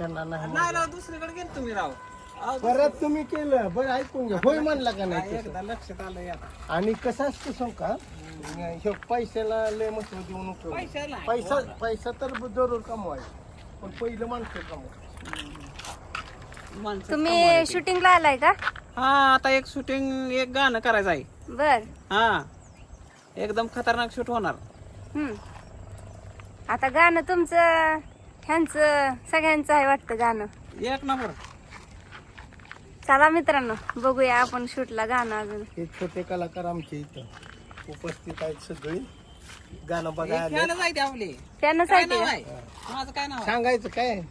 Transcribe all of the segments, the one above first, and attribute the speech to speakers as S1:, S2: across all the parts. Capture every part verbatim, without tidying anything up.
S1: त्यांना नाही
S2: नाही राव दुसरीकडे गेलो तुम्ही राव अहो,
S1: परत तुम्ही केलं बरं ऐकून घ्या होय म्हणला का नाही तसं?
S2: एकदा लक्षात आलं आता
S1: आणि कसं असतं सांग का ह्यो पैशाला लय महत्व देऊ नको
S2: पैशाला
S1: पैसा पैसा तर जरूर कमवायचा पण पहिलं माणसं कमवा
S2: माणसं
S3: तुम्ही शूटिंगला आलाय का?
S2: हा आता एक शूटिंग एक गाणं करायचं आहे
S3: बर.
S2: हा एकदम खतरनाक शूट होणार
S3: हम्म. आता गाणं तुमचं ह्यांचं सगळ्यांचं आहे वाटतं गाणं.
S2: एक नंबर
S3: चला मित्रांनो बघूया आपण शूटला गाणं अजून.
S1: हे छोटे कलाकार आमच्या इथं उपस्थित आहेत सगळी गाणं बघायला आले.
S2: फॅनच आहे ते आपले
S3: त्यानं
S2: काय
S3: सांगितलं
S2: नाव
S3: का?
S2: आहे माझं काय नाव आहे
S1: सांगायचं काय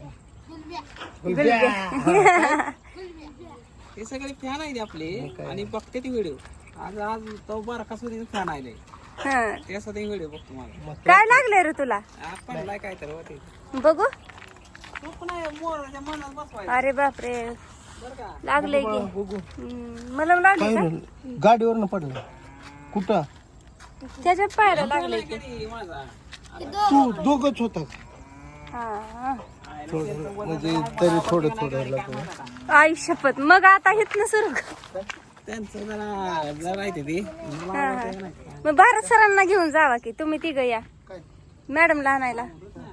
S2: हे सगळे फॅन आहेत आपले आणि बघते ती व्हिडिओ आज आज तो बारका सुद्धा फॅन आहे
S3: हं.
S2: त्यासाठी व्हिडिओ बघतो मला
S3: काय लागलंय रे तुला?
S2: आपण लाय काय तर होते
S3: बघू.
S2: तू पण आहे मोराच्या मनात बसवायचं
S3: अरे बापरे
S2: बरं का
S3: लागलंय की.
S1: बघू
S3: हम्म, मला लागले का?
S1: गाडीवरनं पडलं कुठं
S3: त्याच्यात पाहायला लागले की.
S2: कधी माझा
S1: तू दोघच होता
S3: हा हा.
S1: थोडं म्हणजे तरी थोडं थोडं लागलं
S3: आई शपथ मग आता इथनं सुरू कर.
S2: त्यांचं जरा जरा राहते ती
S3: हा, हा. मग भारत सरांना घेऊन जावा की तुम्ही तिघ या मॅडमला आणायला.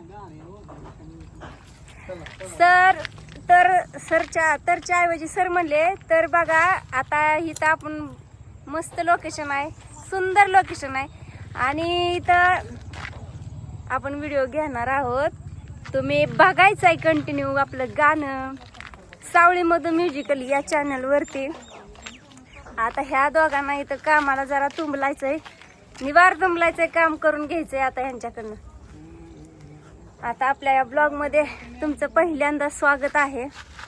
S3: सर तर सरच्या तरच्या ऐवजी सर म्हणले तर बघा आता इथं आपण मस्त लोकेशन आहे सुंदर लोकेशन आहे आणि इथं आपण व्हिडिओ घेणार आहोत. तुम्ही बघायचं आहे कंटिन्यू आपलं गाणं सावळी मधून म्युझिकल या चॅनलवरती. आता ह्या दोघांना इथं कामाला जरा तुंबलायचंय निवार तुंबलायचंय काम करून घ्यायचंय आता ह्यांच्याकडनं. आता आपल्या या ब्लॉग मध्ये तुमचं पहिल्यांदा स्वागत आहे.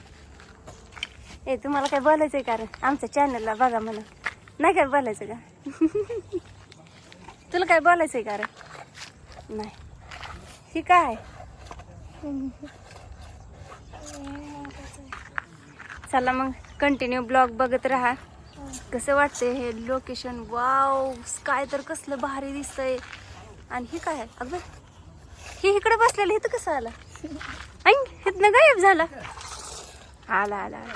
S3: ए तुम्हाला काय बोलायचंय का रे? आमच्या चॅनलला बघा म्हणा. नाही काय बोलायचं का? तुला काय बोलायचंय का रे? नाही ही काय चला मग कंटिन्यू ब्लॉग बघत राहा. कसं वाटतंय हे लोकेशन? वाव स्काय तर कसलं भारी दिसतंय. आणि ही काय अगं ही इकडे बसलेलं इथं कसं आला? ऐ इथनं गायब झाला. आला आला आला.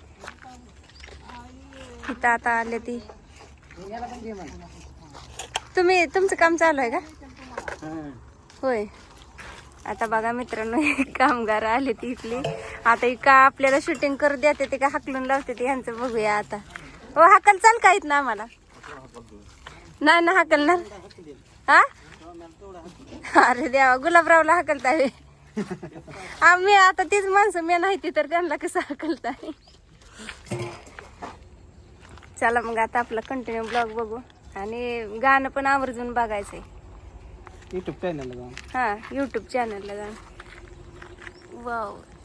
S3: इथं आता आले ती. तुम्ही तुमचं काम चालू आहे का? होय. आता बघा मित्रांनो कामगार आले ती इथली. आता ही का आपल्याला शूटिंग करू देते ते का हाकलून लावते ते ह्यांचं बघूया आता. हो हाकल चाल का येत ना आम्हाला? नाही ना हाकलणार. हा अरे देवा गुलाबरावला हाकलताय आम्ही आता तीच माणसं मी नाही ती तर त्यांना कसं हाकलताय. चला मग आता आपला कंटिन्यू ब्लॉग बघू आणि गाणं पण आवर्जून बघायचंय
S2: युट्यूब चॅनल
S3: हा युट्यूब चॅनलला जाऊन. वाव